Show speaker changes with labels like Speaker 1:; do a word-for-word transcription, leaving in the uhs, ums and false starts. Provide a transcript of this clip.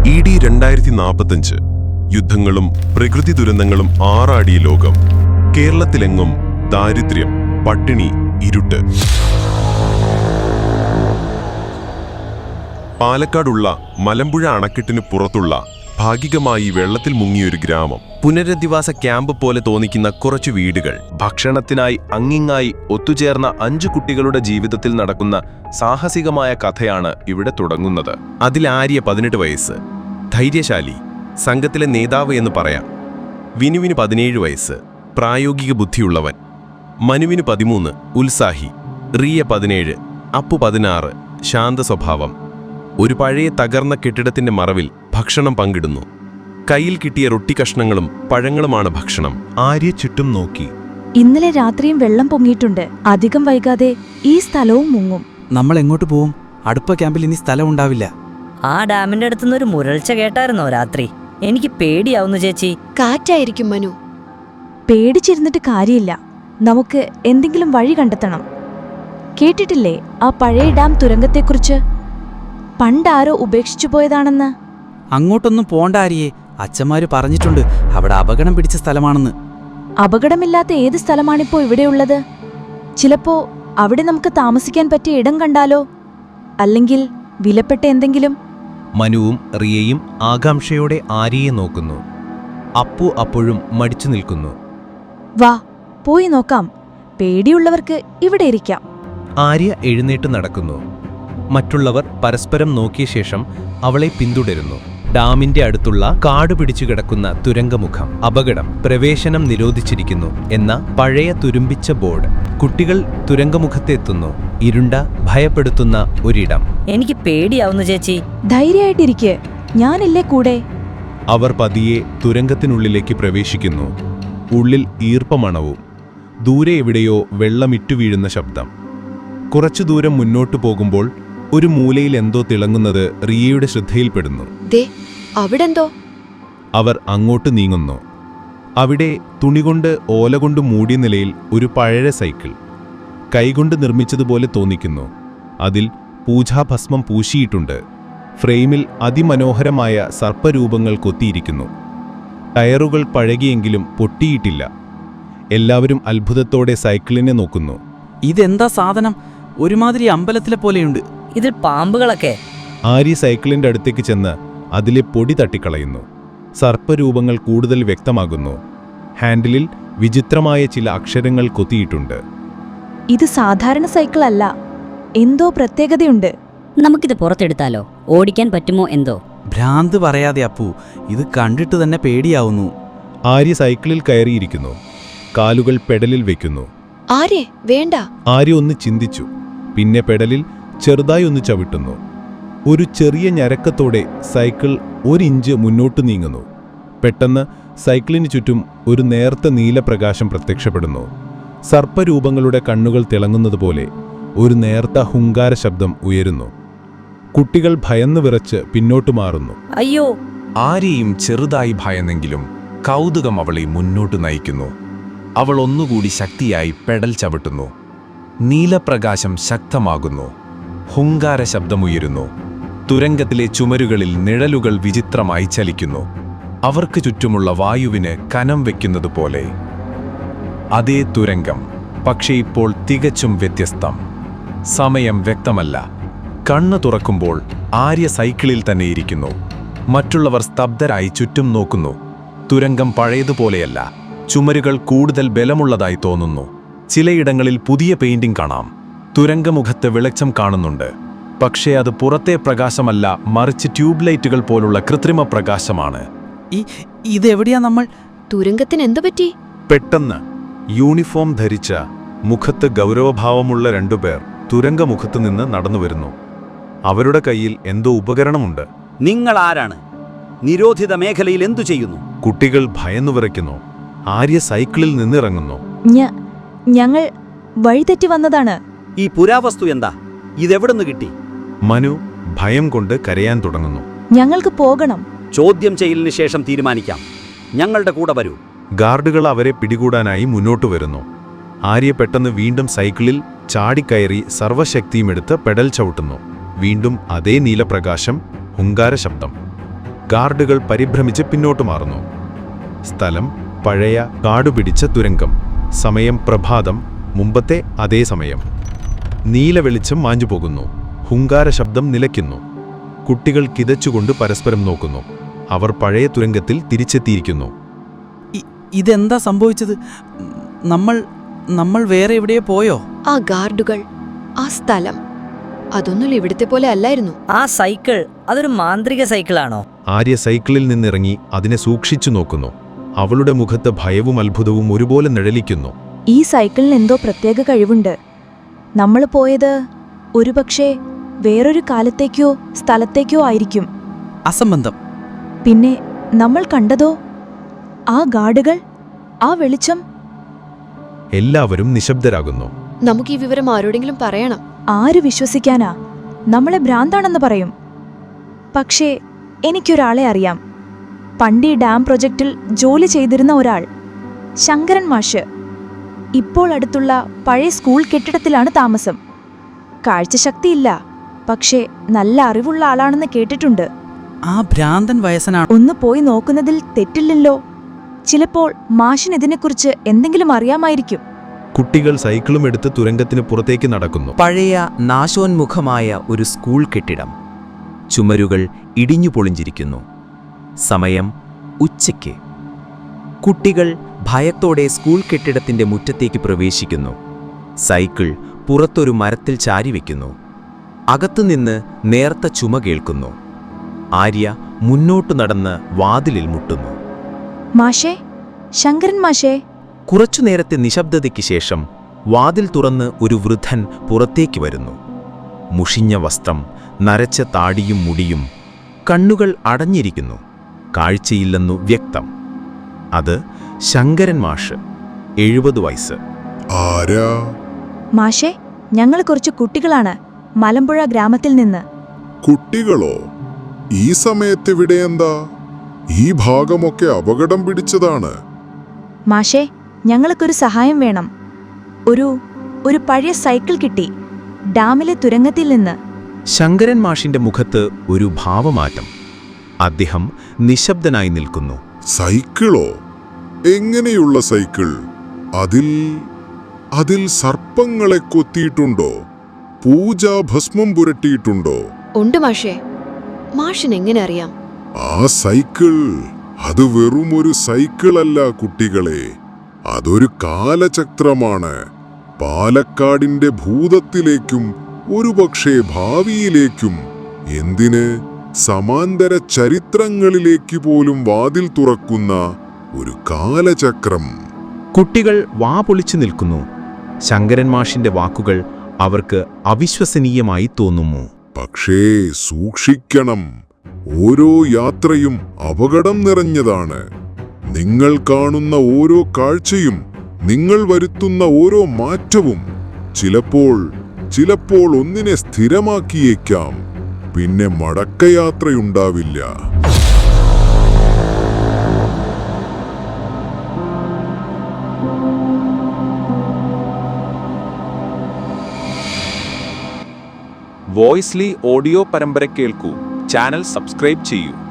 Speaker 1: E D രണ്ടായിരത്തി നാൽപ്പത്തഞ്ച് യുദ്ധങ്ങളും പ്രകൃതി ദുരന്തങ്ങളും ആറാടിയ ലോകം. കേരളത്തിലെങ്ങും ദാരിദ്ര്യം, പട്ടിണി, ഇരുട്ട്. പാലക്കാടുള്ള മലമ്പുഴ അണക്കെട്ടിന് പുറത്തുള്ള ഭാഗികമായി വെള്ളത്തിൽ മുങ്ങിയൊരു ഗ്രാമം. പുനരധിവാസ ക്യാമ്പ് പോലെ തോന്നിക്കുന്ന കുറച്ചു വീടുകൾ.
Speaker 2: ഭക്ഷണത്തിനായി അങ്ങിങ്ങായി ഒത്തുചേർന്ന അഞ്ചു കുട്ടികളുടെ ജീവിതത്തിൽ നടക്കുന്ന സാഹസികമായ കഥയാണ് ഇവിടെ തുടങ്ങുന്നത്.
Speaker 1: അതിൽ ആര്യ പതിനെട്ട് വയസ്സ്, ധൈര്യശാലി, സംഘത്തിലെ നേതാവ് എന്ന് പറയാം. വിനുവിന് പതിനേഴ് വയസ്സ്, പ്രായോഗിക ബുദ്ധിയുള്ളവൻ. മനുവിന് പതിമൂന്ന്, ഉത്സാഹി. റിയ പതിനേഴ്, അപ്പു പതിനാറ്, ശാന്ത സ്വഭാവം. ഒരു പഴയ തകർന്ന കെട്ടിടത്തിന്റെ മറവിൽ ഭക്ഷണം പങ്കിടുന്നു. കയ്യിൽ കിട്ടിയ റൊട്ടി കഷ്ണങ്ങളും പഴങ്ങളുമാണ് ഭക്ഷണം.
Speaker 2: ആര്യ ചുറ്റും നോക്കി.
Speaker 3: ഇന്നലെ രാത്രിയും വെള്ളം പൊങ്ങിയിട്ടുണ്ട്. അധികം വൈകാതെ ഈ സ്ഥലവും മുങ്ങും.
Speaker 4: നമ്മൾ എങ്ങോട്ട് പോവും? അടുത്ത ക്യാമ്പിൽ ഇനി സ്ഥലം ഉണ്ടാവില്ല.
Speaker 5: ആ ഡാമിന്റെ അടുത്തുനിന്ന് ഒരു മുരൾച്ച കേട്ടായിരുന്നോ രാത്രി? എനിക്ക് പേടിയാവുന്നു ചേച്ചി.
Speaker 6: കാറ്റായിരിക്കും മനു.
Speaker 3: പേടിച്ചിരുന്നിട്ട് കാര്യമില്ല. നമുക്ക് എന്തെങ്കിലും വഴി കണ്ടെത്തണം. കേട്ടിട്ടില്ലേ ആ പഴയ ഡാം തുരങ്കത്തെക്കുറിച്ച്? പണ്ടാരോ ഉപേക്ഷിച്ചു പോയതാണെന്ന്.
Speaker 4: അങ്ങോട്ടൊന്നും പോണ്ട ആര്യേ. അച്ഛന്മാര് പറഞ്ഞിട്ടുണ്ട് അവിടെ അപകടം പിടിച്ച സ്ഥലമാണെന്ന്.
Speaker 3: അപകടമില്ലാത്ത ഏത് സ്ഥലമാണിപ്പോ ഇവിടെയുള്ളത്? ചിലപ്പോ അവിടെ നമുക്ക് താമസിക്കാൻ പറ്റിയ ഇടം കണ്ടാലോ? അല്ലെങ്കിൽ വിലപ്പെട്ട എന്തെങ്കിലും?
Speaker 2: മനുവും റിയയും ആകാംക്ഷയോടെ ആര്യയെ നോക്കുന്നു. അപ്പു അപ്പോഴും മടിച്ചു നിൽക്കുന്നു.
Speaker 3: വാ, പോയി നോക്കാം. പേടിയുള്ളവർക്ക് ഇവിടെ ഇരിക്കാം.
Speaker 2: ആര്യ എഴുന്നേറ്റ് നടക്കുന്നു. മറ്റുള്ളവർ പരസ്പരം നോക്കിയ ശേഷം അവളെ പിന്തുടരുന്നു. ഡാമിന്റെ അടുത്തുള്ള കാട് പിടിച്ചു കിടക്കുന്ന തുരങ്കമുഖം. അപകടം, പ്രവേശനം നിരോധിച്ചിരിക്കുന്നു എന്ന പഴയ തുരുമ്പിച്ച ബോർഡ്. കുട്ടികൾ തുരങ്കമുഖത്തെത്തുന്നു. ഇരുണ്ട, ഭയപ്പെടുത്തുന്ന ഒരിടം.
Speaker 5: എനിക്ക് പേടിയാവുന്നു ചേച്ചി.
Speaker 3: ധൈര്യമായിട്ടിരിക്കെ, ഞാനില്ലേ കൂടെ.
Speaker 2: അവർ പതിയെ തുരങ്കത്തിനുള്ളിലേക്ക് പ്രവേശിക്കുന്നു. ഉള്ളിൽ ഈർപ്പമണവും. ദൂരെ എവിടെയോ വെള്ളമിറ്റു വീഴുന്ന ശബ്ദം. കുറച്ചു ദൂരം മുന്നോട്ടു പോകുമ്പോൾ ഒരു മൂലയിൽ എന്തോ തിളങ്ങുന്നത് റിയയുടെ ശ്രദ്ധയിൽപ്പെടുന്നു.
Speaker 6: ദേ, അവിടെന്തോ.
Speaker 2: അവർ അങ്ങോട്ട് നീങ്ങുന്നു. അവിടെ തുണികൊണ്ട് ഓലകൊണ്ട് മൂടിയ നിലയിൽ ഒരു പഴയ സൈക്കിൾ. കൈകൊണ്ട് നിർമ്മിച്ചതുപോലെ തോന്നിക്കുന്നു. അതിൽ പൂജാഭസ്മം പൂശിയിട്ടുണ്ട്. ഫ്രെയിമിൽ അതിമനോഹരമായ സർപ്പരൂപങ്ങൾ കൊത്തിയിരിക്കുന്നു. ടയറുകൾ പഴകിയെങ്കിലും പൊട്ടിയിട്ടില്ല. എല്ലാവരും അത്ഭുതത്തോടെ സൈക്കിളിനെ നോക്കുന്നു.
Speaker 4: ഇതെന്താ സാധനം? ഒരുമാതിരി അമ്പലത്തിലെ പോലെയുണ്ട്.
Speaker 5: ഇതിൽ പാമ്പുകളൊക്കെ.
Speaker 2: ആര്യ സൈക്കിളിന്റെ അടുത്തേക്ക് ചെന്ന് അതിലെ പൊടി തട്ടിക്കളയുന്നു. സർപ്പരൂപങ്ങൾ കൂടുതൽ വ്യക്തമാകുന്നു. ഹാൻഡിലിൽ വിചിത്രമായ ചില അക്ഷരങ്ങൾ കൊത്തിയിട്ടുണ്ട്.
Speaker 3: ഇത് സാധാരണ സൈക്കിൾ അല്ല. എന്തോ പ്രത്യേകതയുണ്ട്.
Speaker 7: നമുക്കിത് പുറത്തെടുത്താലോ? ഓടിക്കാൻ പറ്റുമോ എന്തോ?
Speaker 4: ഭ്രാന്ത് പറയാതെ അപ്പു, ഇത് കണ്ടിട്ട് തന്നെ പേടിയാവുന്നു.
Speaker 2: ആര്യ സൈക്കിളിൽ കയറിയിരിക്കുന്നു. കാലുകൾ പെഡലിൽ വെക്കുന്നു.
Speaker 6: ആരെ വേണ്ട.
Speaker 2: ആര്യ ഒന്ന് ചിന്തിച്ചു. പിന്നെ പെഡലിൽ ചെറുതായി ഒന്ന് ചവിട്ടുന്നു. ഒരു ചെറിയ ഞരക്കത്തോടെ സൈക്കിൾ ഒരിഞ്ച് മുന്നോട്ട് നീങ്ങുന്നു. പെട്ടെന്ന് സൈക്കിളിന് ചുറ്റും ഒരു നേർത്ത നീലപ്രകാശം പ്രത്യക്ഷപ്പെടുന്നു. സർപ്പരൂപങ്ങളുടെ കണ്ണുകൾ തിളങ്ങുന്നതുപോലെ ഒരു നേർത്ത ഹുങ്കാര ശബ്ദം ഉയരുന്നു. കുട്ടികൾ ഭയന്നു വിറച്ച് പിന്നോട്ടു മാറുന്നു.
Speaker 5: അയ്യോ!
Speaker 8: ആരെയും ചെറുതായി ഭയന്നെങ്കിലും കൗതുകം അവളെ മുന്നോട്ട് നയിക്കുന്നു. അവൾ ഒന്നുകൂടി ശക്തിയായി പെഡൽ ചവിട്ടുന്നു. നീലപ്രകാശം ശക്തമാകുന്നു. ഹുങ്കാര ശബ്ദമുയരുന്നു. തുരങ്കത്തിലെ ചുമരുകളിൽ നിഴലുകൾ വിചിത്രമായി ചലിക്കുന്നു. അവർക്ക് ചുറ്റുമുള്ള വായുവിന് കനം വയ്ക്കുന്നതുപോലെ. അതേ തുരങ്കം, പക്ഷേ ഇപ്പോൾ തികച്ചും വ്യത്യസ്തം. സമയം വ്യക്തമല്ല. കണ്ണു തുറക്കുമ്പോൾ ആര്യ സൈക്കിളിൽ തന്നെ ഇരിക്കുന്നു. മറ്റുള്ളവർ സ്തബ്ധരായി ചുറ്റും നോക്കുന്നു. തുരങ്കം പഴയതുപോലെയല്ല. ചുമരുകൾ കൂടുതൽ ബലമുള്ളതായി തോന്നുന്നു. ചിലയിടങ്ങളിൽ പുതിയ പെയിന്റിംഗ് കാണാം. തുരങ്കമുഖത്ത് വെളിച്ചം കാണുന്നുണ്ട്. പക്ഷേ അത് പുറത്തെ പ്രകാശമല്ല, മറിച്ച് ട്യൂബ് ലൈറ്റുകൾ പോലുള്ള കൃത്രിമ പ്രകാശമാണ്.
Speaker 4: ഈ ഇതെവിടെയാ നമ്മൾ?
Speaker 6: തുരങ്കത്തിന് എന്തു പറ്റി?
Speaker 2: പെട്ടെന്ന് യൂണിഫോം ധരിച്ച, മുഖത്ത് ഗൗരവഭാവമുള്ള രണ്ടുപേർ തുരങ്കമുഖത്തു നിന്ന് നടന്നുവരുന്നു. അവരുടെ കയ്യിൽ എന്തോ ഉപകരണമുണ്ട്.
Speaker 9: നിങ്ങൾ ആരാണ്? നിരോധിത മേഖലയിൽ എന്തു ചെയ്യുന്നു?
Speaker 2: കുട്ടികൾ ഭയന്നു വിറയ്ക്കുന്നു. ആര്യ സൈക്കിളിൽ നിന്നിറങ്ങുന്നു.
Speaker 3: ഞങ്ങൾ വഴിതെറ്റി വന്നതാണ്.
Speaker 9: ഈ പുരാവസ്തു എന്താ? ഇതെവിടുന്ന് കിട്ടി?
Speaker 2: മനു ഭയം കൊണ്ട് കരയാൻ തുടങ്ങുന്നു.
Speaker 3: ഞങ്ങൾക്ക് പോകണം.
Speaker 9: ചോദ്യം ചെയ്യലിന് ശേഷം തീരുമാനിക്കാം. ഞങ്ങളുടെ കൂടെ വരൂ.
Speaker 2: ഗാർഡുകൾ അവരെ പിടികൂടാനായി മുന്നോട്ടു വരുന്നു. ആര്യ പെട്ടെന്ന് വീണ്ടും സൈക്കിളിൽ ചാടിക്കയറി സർവശക്തിയുമെടുത്ത് പെഡൽ ചവിട്ടുന്നു. വീണ്ടും അതേ നീലപ്രകാശം, ഹുങ്കാര ശബ്ദം. ഗാർഡുകൾ പരിഭ്രമിച്ച് പിന്നോട്ട് മാറുന്നു. സ്ഥലം പഴയ കാടുപിടിച്ച തുരങ്കം. സമയം പ്രഭാതം, മുമ്പത്തെ അതേ സമയം. നീല വെളിച്ചം മാഞ്ഞുപോകുന്നു. ഹുങ്കാര ശബ്ദം നിലയ്ക്കുന്നു. കുട്ടികൾ കിതച്ചുകൊണ്ട് പരസ്പരം നോക്കുന്നു. അവർ പഴയ തുരങ്കത്തിൽ തിരിച്ചെത്തിയിരിക്കുന്നു.
Speaker 4: ഇ- ഇതെന്താ സംഭവിച്ചത്? നമ്മൾ നമ്മൾ വേറെ എവിടെയോ പോയോ?
Speaker 6: ആ ഗാർഡുകൾ, ആ സ്ഥലം, അതൊന്നും ഇവിടുത്തെ പോലെ അല്ലായിരുന്നു.
Speaker 5: ആ സൈക്കിൾ അതൊരു മാന്ത്രിക സൈക്കിളാണോ?
Speaker 2: ആര്യ സൈക്കിളിൽ നിന്നിറങ്ങി അതിനെ സൂക്ഷിച്ചു നോക്കുന്നു. അവളുടെ മുഖത്ത് ഭയവും അത്ഭുതവും ഒരുപോലെ നിഴലിക്കുന്നു.
Speaker 3: ഈ സൈക്കിളിന് എന്തോ പ്രത്യേക കഴിവുണ്ട്. നമ്മൾ പോയത് ഒരുപക്ഷെ വേറൊരു കാലത്തേക്കോ സ്ഥലത്തേക്കോ ആയിരിക്കും.
Speaker 4: അസംബന്ധം.
Speaker 3: പിന്നെ നമ്മൾ കണ്ടതോ? ആ ഗാർഡുകൾ, ആ വെളിച്ചം.
Speaker 2: എല്ലാവരും നിശബ്ദരാകുന്നു.
Speaker 6: നമുക്ക് ഈ വിവരം ആരോടെങ്കിലും പറയണം.
Speaker 3: ആര് വിശ്വസിക്കാനാ? നമ്മളെ ഭ്രാന്താണെന്ന് പറയും. പക്ഷേ എനിക്കൊരാളെ അറിയാം. പണ്ട് ഈ ഡാം പ്രൊജക്റ്റിൽ ജോലി ചെയ്തിരുന്ന ഒരാൾ, ശങ്കരൻ മാഷ്. ഇപ്പോൾ അടുത്തുള്ള പഴയ സ്കൂൾ കെട്ടിടത്തിലാണ് താമസം. കാഴ്ചശക്തിയില്ല, പക്ഷേ നല്ല അറിവുള്ള ആളാണെന്ന് കേട്ടിട്ടുണ്ട്.
Speaker 4: ആ ഭ്രാന്തൻ വയസ്സനാണ്.
Speaker 3: ഒന്ന് പോയി നോക്കുന്നതിൽ തെറ്റില്ലല്ലോ. ചിലപ്പോൾ മാഷിനിതിനെക്കുറിച്ച് എന്തെങ്കിലും അറിയാമായിരിക്കും.
Speaker 2: കുട്ടികൾ സൈക്കിളും എടുത്ത് തുരങ്കത്തിന് പുറത്തേക്ക് നടക്കുന്നു.
Speaker 10: പഴയ നാശോന്മുഖമായ ഒരു സ്കൂൾ കെട്ടിടം. ചുമരുകൾ ഇടിഞ്ഞു പൊളിഞ്ഞിരിക്കുന്നു. സമയം ഉച്ചയ്ക്ക്. കുട്ടികൾ ഭയത്തോടെ സ്കൂൾ കെട്ടിടത്തിന്റെ മുറ്റത്തേക്ക് പ്രവേശിക്കുന്നു. സൈക്കിൾ പുറത്തൊരു മരത്തിൽ ചാരിവെക്കുന്നു. അകത്തുനിന്ന് നേർത്ത ചുമ കേൾക്കുന്നു. ആര്യ മുന്നോട്ടു നടന്ന് വാതിലിൽ മുട്ടുന്നു.
Speaker 3: മാഷേ, ശങ്കരൻ മാഷേ.
Speaker 10: കുറച്ചു നേരത്തെ നിശബ്ദതയ്ക്ക് ശേഷം വാതിൽ തുറന്ന് ഒരു വൃദ്ധൻ പുറത്തേക്ക് വരുന്നു. മുഷിഞ്ഞ വസ്ത്രം, നരച്ച താടിയും മുടിയും. കണ്ണുകൾ അടഞ്ഞിരിക്കുന്നു. കാഴ്ചയില്ലെന്നു വ്യക്തം. അത് ശങ്കരൻ മാഷ്, എഴുപത് വയസ്സ്.
Speaker 11: ആരാ?
Speaker 3: മാഷേ, ഞങ്ങൾ കുറച്ച് കുട്ടികളാണ്, മലമ്പുഴ ഗ്രാമത്തിൽ നിന്ന്.
Speaker 11: കുട്ടികളോ? ഈ സമയത്ത് ഇവിടെ എന്താ? ഈ ഭാഗമൊക്കെ അപകടം പിടിച്ചതാണ്.
Speaker 3: മാഷേ, ഞങ്ങൾക്കൊരു സഹായം വേണം. ഒരു ഒരു പഴയ സൈക്കിൾ കിട്ടി ഡാമിലെ തുരങ്കത്തിൽ നിന്ന്.
Speaker 10: ശങ്കരൻ മാഷിന്റെ മുഖത്ത് ഒരു ഭാവമാറ്റം. അദ്ദേഹം നിശബ്ദനായി നിൽക്കുന്നു.
Speaker 11: സൈക്കിളോ? എങ്ങനെയുള്ള സൈക്കിൾ? അതിൽ അതിൽ സർപ്പങ്ങളെ കൊത്തിയിട്ടുണ്ടോ? പൂജാഭസ്മം പുരട്ടിയിട്ടുണ്ടോ?
Speaker 6: ഉണ്ട് മാഷേ. മാഷിന് എങ്ങനെ അറിയാം?
Speaker 11: ആ സൈക്കിൾ അത് വെറും ഒരു സൈക്കിളല്ല കുട്ടികളെ, അതൊരു കാലചക്രമാണ്. പാലക്കാടിന്റെ ഭൂതത്തിലേക്കും ഒരുപക്ഷേ ഭാവിയിലേക്കും, എന്തിന് സമാന്തര ചരിത്രങ്ങളിലേക്ക് പോലും വാതിൽ തുറക്കുന്ന ഒരു കാലചക്രം.
Speaker 10: കുട്ടികൾ വാ പൊളിച്ചു നിൽക്കുന്നു. ശങ്കരൻ മാഷിന്റെ വാക്കുകൾ അവർക്ക് അവിശ്വസനീയമായി തോന്നുന്നു.
Speaker 11: പക്ഷേ സൂക്ഷിക്കണം, ഓരോ യാത്രയും അപകടം നിറഞ്ഞതാണ്. നിങ്ങൾ കാണുന്ന ഓരോ കാഴ്ചയും, നിങ്ങൾ വരുത്തുന്ന ഓരോ മാറ്റവും ചിലപ്പോൾ ചിലപ്പോൾ ഒന്നിനെ സ്ഥിരമാക്കിയേക്കാം, പിന്നെ മടക്കയാത്രയുണ്ടാവില്ല.
Speaker 8: വോയിസ്ലി ഓഡിയോ പരമ്പര കേൾക്കൂ. ചാനൽ സബ്സ്ക്രൈബ് ചെയ്യൂ.